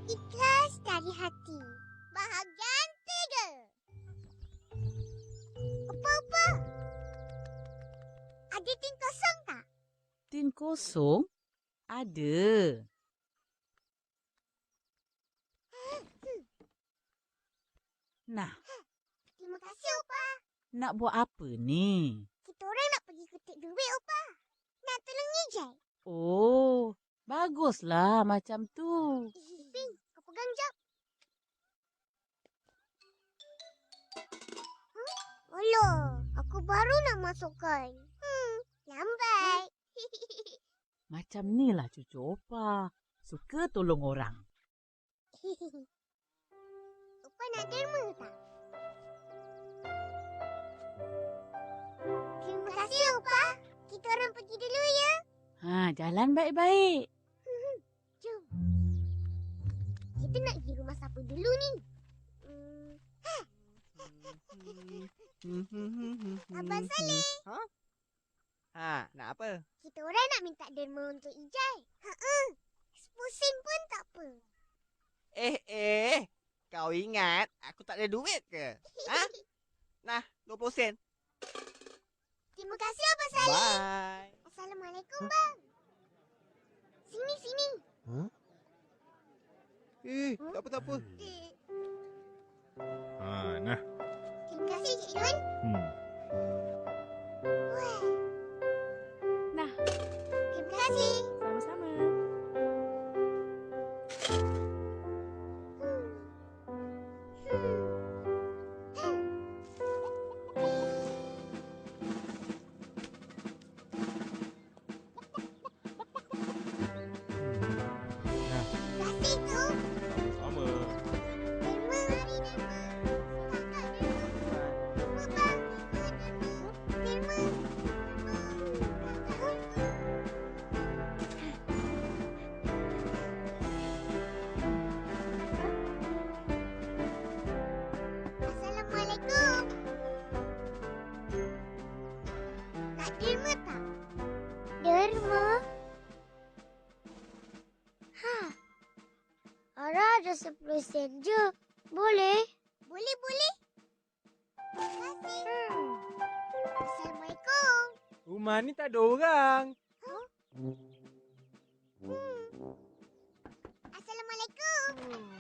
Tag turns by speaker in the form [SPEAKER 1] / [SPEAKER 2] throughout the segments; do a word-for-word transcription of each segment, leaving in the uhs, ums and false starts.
[SPEAKER 1] Ikhlas dari hati. Bahagian tiga. Apa-apa? Ada tin kosong tak?
[SPEAKER 2] Tin kosong? Ada. Nah,
[SPEAKER 1] Terima kasih, Opa.
[SPEAKER 2] nak buat apa ni?
[SPEAKER 1] Kita orang nak pergi kutip duit, Opa. Nak tolong Nijai.
[SPEAKER 2] Oh, baguslah macam tu.
[SPEAKER 1] Ipin, kau pegang jap. Huh? Alah, aku baru nak masukkan. Hmm, lambat.
[SPEAKER 2] Macam ni lah cucu opa. Suka tolong orang.
[SPEAKER 1] Opa nak derma tak? Terima kasih, Opa. Kita orang pergi dulu ya.
[SPEAKER 2] Ha, jalan baik-baik.
[SPEAKER 1] Jom. Kita nak pergi rumah siapa dulu ni? Hmm. Abang Saleh.
[SPEAKER 3] Ha? Ha, nak apa?
[SPEAKER 1] Kita orang nak minta derma untuk Ijai. Ha-ha. sepuluh sen pun tak apa.
[SPEAKER 3] Eh, eh. Kau ingat aku tak ada duit ke? Ha? Nah, dua puluh sen.
[SPEAKER 1] Terima kasih, Abang Saleh.
[SPEAKER 3] Bye.
[SPEAKER 1] Assalamualaikum, bang. Sini, sini.
[SPEAKER 3] Huh? Eh, tak apa, tak apa.
[SPEAKER 1] Eh,
[SPEAKER 4] Ha, nah.
[SPEAKER 1] Terima kasih, Cik Nun.
[SPEAKER 4] Hmm.
[SPEAKER 1] Wah,
[SPEAKER 2] Nah,
[SPEAKER 1] terima kasih.
[SPEAKER 2] sama-sama.
[SPEAKER 4] Nah,
[SPEAKER 1] Terima kasih tu.
[SPEAKER 4] sama.
[SPEAKER 1] Derma, mari derma. Kakak derma. Derma, bang. Derma. Assalamualaikum. Nak derma tak? Derma? Ha. Ara ada sepuluh sen je. Boleh? Boleh, boleh. Terima kasih. Hmm. Assalamualaikum.
[SPEAKER 3] Rumah ni tak ada orang.
[SPEAKER 1] Hmm. Assalamualaikum.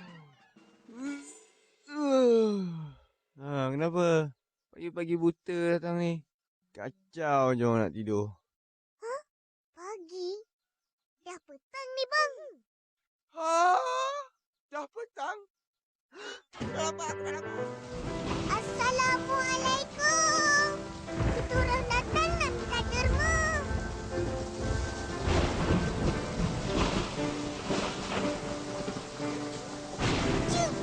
[SPEAKER 3] Ha, kenapa? Pagi-pagi buta datang ni. Kacau je orang nak tidur.
[SPEAKER 1] Pagi? Dah petang ni, bang.
[SPEAKER 3] Ha? Dah petang? Kenapa aku tak dapat?
[SPEAKER 1] Assalamualaikum. Kita orang datang nak minta derma. Cium.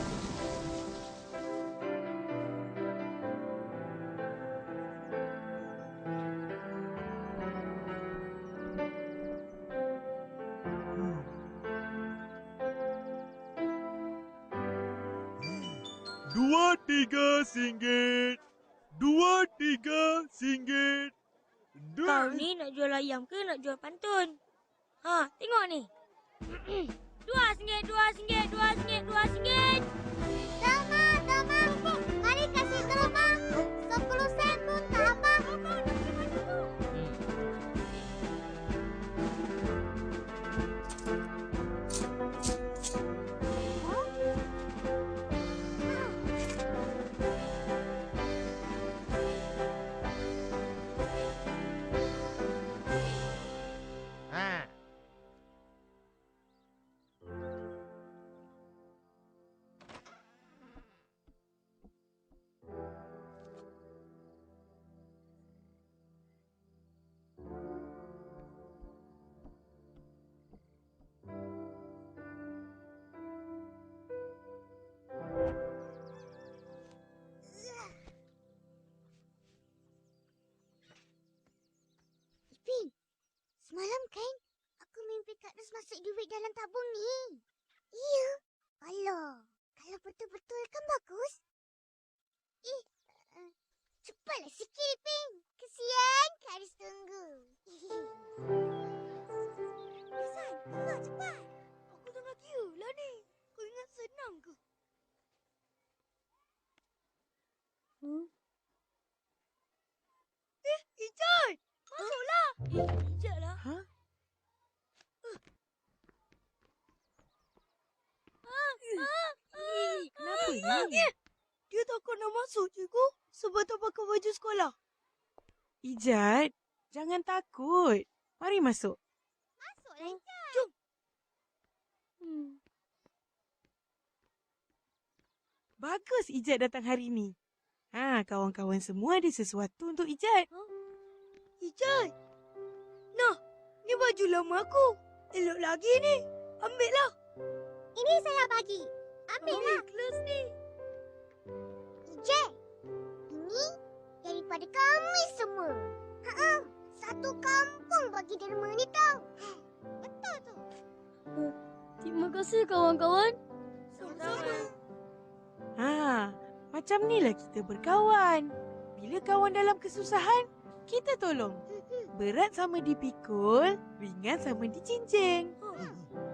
[SPEAKER 4] Dua tiga singgit. Dua tiga singgit.
[SPEAKER 5] Kau ni nak jual ayam ke nak jual pantun? Ha, tengok ni. Dua singgit, dua singgit, dua singgit, dua singgit.
[SPEAKER 1] Derma, derma. Mari kasih derma. Sepuluh sen pun tak apa.
[SPEAKER 3] Ha.
[SPEAKER 1] Ipin, semalam kan aku mimpi Kak Nus masuk duit dalam tabung ni. Iya. Alah, kalau betul-betul kan bagus. Eh, uh, cepatlah sikit Ipin. Kesian Kak Nus tunggu. Kesan, keluar cepat.
[SPEAKER 5] Aku tengah kira lah ni. Kau ingat Dia takut nak masuk, cikgu. Sebab tak pakai baju sekolah.
[SPEAKER 2] Ijat, jangan takut. Mari masuk.
[SPEAKER 1] Masuklah, Ijat.
[SPEAKER 5] Jom. Hmm.
[SPEAKER 2] Bagus Ijat datang hari ni. Ha, kawan-kawan semua ada sesuatu untuk Ijat.
[SPEAKER 5] Ijat. Nah, ni baju lama aku. Elok lagi ni. Ambillah.
[SPEAKER 1] Ini saya bagi. Ambillah.
[SPEAKER 5] Kelas ni.
[SPEAKER 1] Ijat, ini daripada kami semua. Ha-ha, satu kampung bagi derma ni tau. Betul tu.
[SPEAKER 5] Terima kasih kawan-kawan. Sama-sama.
[SPEAKER 2] Ha, macam nilah kita berkawan. Bila kawan dalam kesusahan, kita tolong. Berat sama dipikul, ringan sama dijinjing.